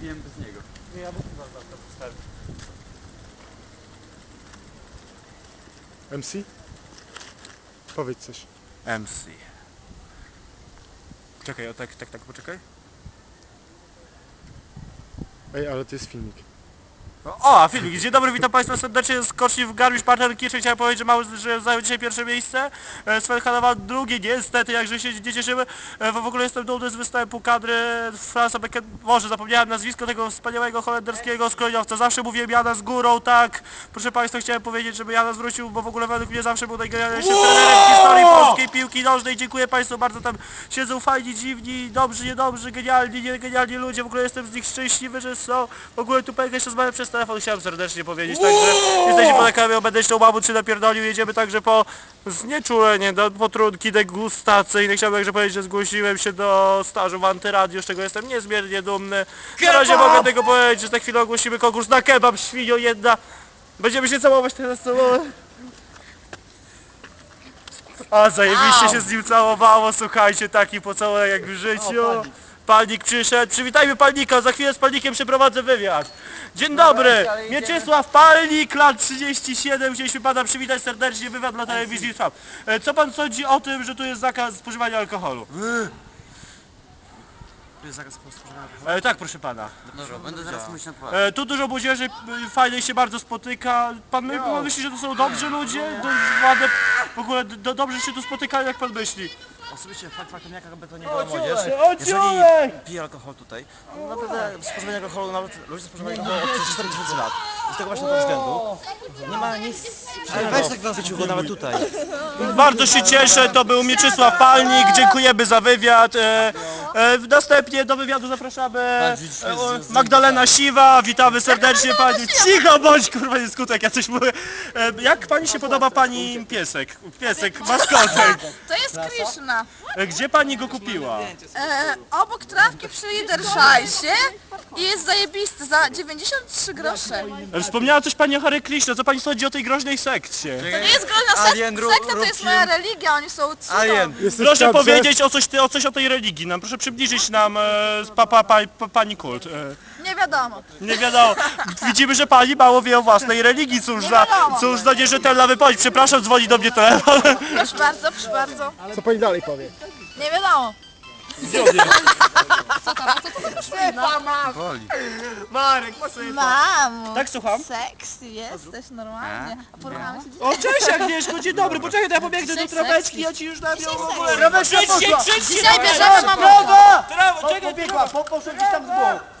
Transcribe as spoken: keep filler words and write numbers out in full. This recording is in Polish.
wypiłem bez niego. Nie, ja wypiłem za to postawię. M C? Powiedz coś. M C. Czekaj, o tak, tak, tak, poczekaj. Ej, ale to jest filmik. O, a filmik. Dzień dobry, witam Państwa serdecznie. Skoczni w Garmisch Partenkirchen. Chciałem powiedzieć, że mały, że zajął dzisiaj pierwsze miejsce. E, Sven Hanowa drugie, niestety, jakże się nie cieszymy. E, w ogóle jestem dumny z występu kadry Fransa Becken... Może zapomniałem nazwisko tego wspaniałego holenderskiego skrojowca. Zawsze mówiłem Jana z górą, tak. Proszę Państwa, chciałem powiedzieć, żeby Jana zwrócił, bo w ogóle według mnie zawsze był najgenialniejszym trenerem w historii polskiej piłki nożnej. Dziękuję Państwu bardzo, tam siedzą fajni, dziwni, dobrzy, niedobrzy, genialni, niegenialni ludzie. W ogóle jestem z nich szczęśliwy, że są. W ogóle tu pękać jeszcze rozmawiam przez telefon, chciałem serdecznie powiedzieć, także jesteśmy po lekami, będę jeszcze mamut czy napierdolił, jedziemy także po znieczulenie, do potrunki degustacyjne. Chciałbym także powiedzieć, że zgłosiłem się do stażu w Antyradiu, z czego jestem niezmiernie dumny. Na razie mogę tego powiedzieć, że za chwilę ogłosimy konkurs na kebab, świnio jedna. Będziemy się całować teraz, całować. A zajebiście się z nim całowało, słuchajcie, taki pocałunek jak w życiu. Palnik przyszedł, przywitajmy Palnika, za chwilę z Palnikiem przeprowadzę wywiad. Dzień dobry, Mieczysław Palnik, lat trzydzieści siedem, chcieliśmy Pana przywitać serdecznie, wywiad dla telewizji Trwam. E, Co Pan sądzi o tym, że tu jest zakaz spożywania alkoholu? Tu jest zakaz spożywania alkoholu? E, tak, proszę Pana. Dobra, będę zaraz mówić na poważnie. E, tu dużo młodzieży, e, fajnie się bardzo spotyka. Pan, my, pan myśli, że to są dobrzy ludzie? Do, ładne, w ogóle do, dobrze się tu spotykają, jak Pan myśli? Osobiście fakt faktem, jakby to nie była młodzież, O, jeżeli ciulek! pije alkohol tutaj, to naprawdę spożywanie alkoholu, nawet ludzie spożywają alkohol od cztery tysiące lat. I z tego właśnie to względu nie ma nic przyjemnego w życiu, nawet tutaj. Bardzo się cieszę, to był Mieczysław Palnik, dziękujemy za wywiad. E, e, następnie do wywiadu zapraszamy e, Magdalena Siwa, witamy serdecznie Pani. Cicho bądź, kurwa, nie skutek, ja coś mówię. E, jak Pani się podoba Pani piesek? Piesek, maskotek. To jest Krishna. E, gdzie Pani go kupiła? E, obok trawki przy Liderszajsie i jest zajebisty za dziewięćdziesiąt trzy grosze. E, wspomniała coś Pani o Hare Krishna, co Pani sądzi o tej groźnej sekcie? To nie jest groźna sek Alien, ru- sekta, to jest rób moja film. religia, oni są cudą. Alien. Jesteś Proszę w kadrze? powiedzieć o coś, ty- o coś o tej religii nam, proszę przybliżyć nam e, pa, pa, pa, pa, Pani kult. E. Nie wiadomo. Nie wiadomo. Widzimy, że pani mało wie o własnej religii. Cóż za, cóż za nierzetelna wypowiedź. Przepraszam, dzwoni do mnie telefon. Proszę bardzo, proszę bardzo. Co pani dalej powie? Nie wiadomo. Woli. Marek, po co je to? Mamo. Tak, słucham? Sexy jesteś normalnie. A poruchamy się O, cześć Agnieszko, dzień dobry. Poczekaj, to ja pobiegnę do traweczki, ja ci już dam ją w ogóle. Dzisiaj Krzyczcie, krzyczcie! Dzisiaj bierzemy mamona. Brawo! Brawo, czekaj, Pobiegła, po, poszedł gdzieś tam z boku.